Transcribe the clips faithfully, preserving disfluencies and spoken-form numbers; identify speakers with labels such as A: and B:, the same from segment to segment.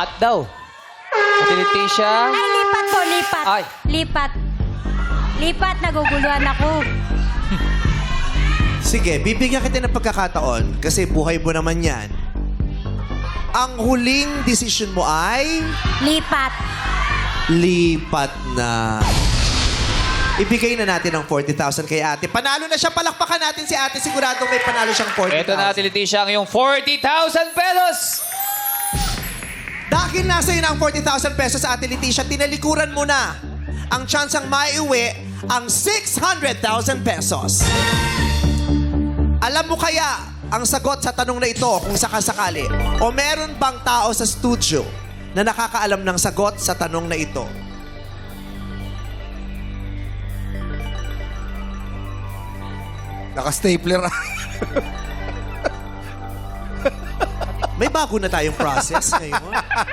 A: Lipat daw. Ate Leticia.
B: Ay, lipat po, lipat.
A: Ay.
B: Lipat. Lipat, naguguluhan ako.
C: Sige, bibigyan kita ng pagkakataon kasi buhay mo naman yan. Ang huling decision mo ay
B: Lipat.
C: lipat na. Ibigay na natin ang forty thousand kay ate. Panalo na siya. Palakpakan natin si ate. Siguradong may panalo siyang forty thousand.
A: Ito na, Ate Leticia, ang iyong forty thousand pesos.
C: Dahil nasa iyo na ang forty thousand pesos sa ate Leticia, tinalikuran mo na ang tsansang maiuwi ang six hundred thousand pesos. Alam mo kaya ang sagot sa tanong na ito kung sakasakali? O meron bang tao sa studio na nakakaalam ng sagot sa tanong na ito?
D: Naka-stapler.
C: May bago na tayong process ngayon.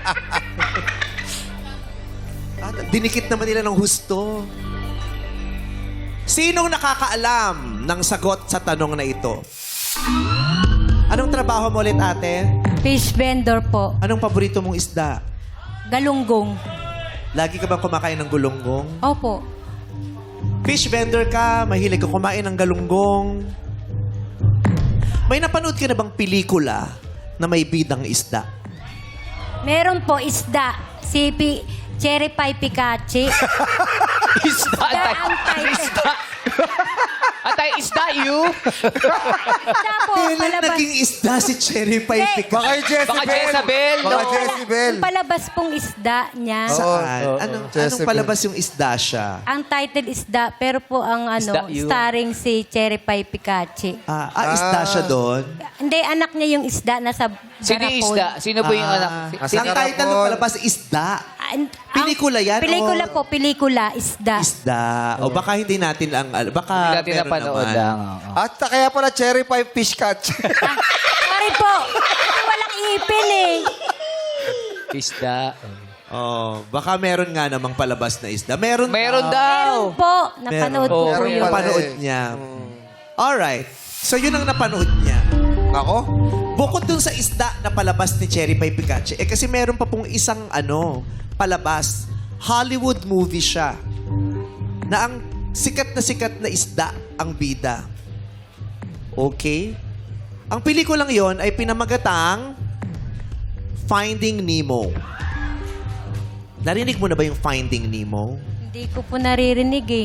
C: At dinikit naman nila ng husto. Sinong nakakaalam ng sagot sa tanong na ito? Anong trabaho mo ulit, ate?
B: Fish vendor po.
C: Anong paborito mong isda?
B: Galunggong.
C: Lagi ka bang kumakain ng gulunggong?
B: Opo.
C: Fish vendor ka, mahilig ka kumain ng galunggong. May napanood ka na bang pelikula na may bidang isda?
B: Meron po isda. Si Pi Cherry Pie Picache.
A: Isda. Antay.
B: ang title.
A: Isda. Antay, isda you?
B: Isda po,
C: Kailan
B: palabas.
C: naging isda si Cherry Pie
B: Eh,
C: Picache?
D: Baka yung Jezebel.
A: Baka Jezebel,
D: Baka
A: no?
D: Jezebel.
B: Yung palabas pong isda niya.
D: Oo.
C: Saan?
D: Oo,
C: anong,
D: oo.
C: anong palabas yung isda siya?
B: Ang title isda, pero po ang ano,
A: Isda yun.
B: starring si Cherry Pie Picache.
C: Ah, ah, isda siya doon?
B: Hindi, anak niya yung isda nasa
A: Sino yung
B: garapon.
A: isda? Sino po yung
C: Ah,
A: anak?
D: Nasa
C: ang title ng
D: garapon.
C: palabas, isda.
B: Ah, ang-
C: Pelikula yan,
B: Pelikula
C: o-
B: po, pelikula, isda.
C: Isda. O baka hindi natin ang... al- Baka
A: Hindi natin
C: meron
A: napanood
C: naman.
A: lang. oo.
D: At kaya pala cherry pie fish catch.
B: Ah, sorry po. Kasi walang ipin eh.
A: Isda.
C: Oh, baka meron nga namang palabas na isda. Meron
A: Meron
C: daw.
A: daw.
B: Meron po. Napanood
C: Meron.
B: ko
A: Oo,
B: po
D: meron
B: yun.
D: pala.
C: Napanood
D: eh.
C: niya. Alright. So, yun ang napanood niya.
D: Ako?
C: Bukod dun sa isda na palabas ni Cherry Pie Picache, eh kasi meron pa pong isang ano, palabas. Hollywood movie siya. Na ang sikat na sikat na isda ang bida. Okay? Ang pelikulang yon ay pinamagatang Finding Nemo. Narinig mo na ba yung Finding Nemo?
B: Hindi ko po naririnig eh.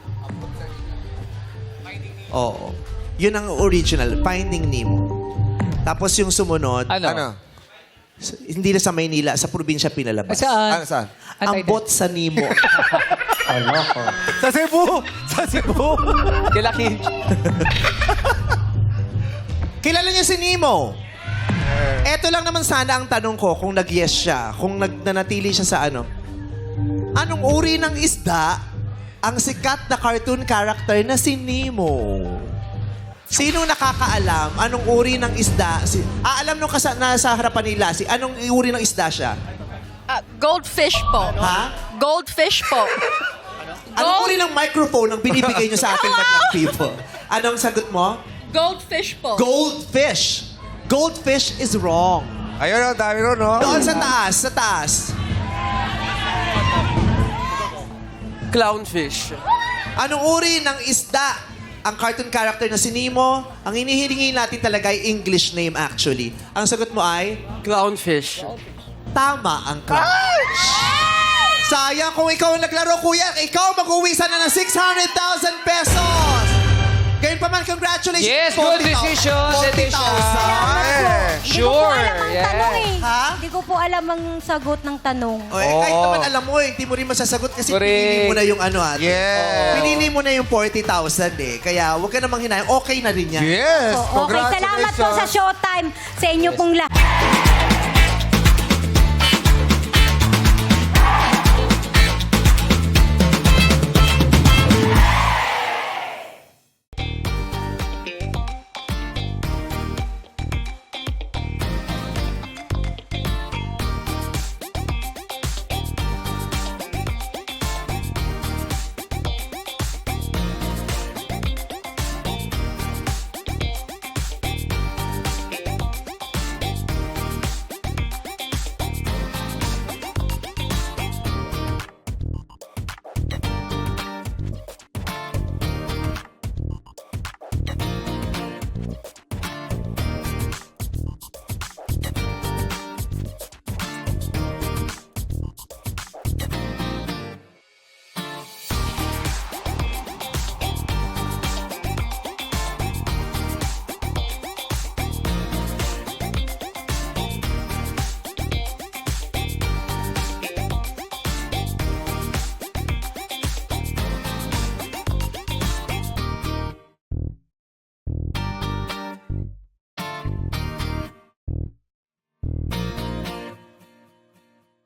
C: Oo. Yun ang original, Finding Nemo. Tapos yung sumunod,
A: Ano?
D: Ano?
C: s- hindi na sa Maynila, sa probinsya pinalabas.
A: Saan?
D: Ano saan?
C: Ang
A: Antay,
C: bot sa Nemo.
D: Sa Cebu! Sa Cebu!
A: Kila Kim.
C: Kilala niyo si Nemo? Eto lang naman sana ang tanong ko kung nag-yes siya, kung nagnanatili siya sa ano. Anong uri ng isda ang sikat na cartoon character na si Nemo? Sino nakakaalam anong uri ng isda? Si, ah, alam nung kasa, nasa harapan nila, si, anong uri ng isda siya?
E: Ah, goldfish po.
C: Ha?
E: Goldfish po.
C: Anong uri ng microphone ang binibigay niyo sa ating madlang people? Anong sagot mo?
E: Goldfish po.
C: Goldfish. Goldfish is wrong.
D: Ayun, ang dami ron, no?
C: Doon sa taas, sa taas.
F: Clownfish.
C: Anong uri ng isda ang cartoon character na si Nemo? Ang inihilingi natin talaga ay English name actually. Ang sagot mo ay,
F: Clownfish.
C: tama ang crush. Sayang kung ikaw ang naglaro, kuya. Ikaw mag-uwi sana ng six hundred thousand pesos. Gayun pa man, congratulations.
A: Yes, good decision,
C: forty thousand.
B: Salamat po. Hindi ko po
A: Sure,
B: alam ang
A: yeah.
B: tanong eh.
C: Ha?
B: Hindi ko po alam ang sagot ng tanong.
C: O, eh, kahit
A: Oo.
C: naman alam mo, eh, hindi mo rin masasagot kasi
A: Correct.
C: pinili mo na yung ano ate.
D: Yes.
C: Pinili mo na yung forty thousand eh. Kaya huwag ka namang hinayang. Okay na rin yan.
D: Yes!
B: Oh, okay, salamat po sa Showtime sa inyo pong lahat.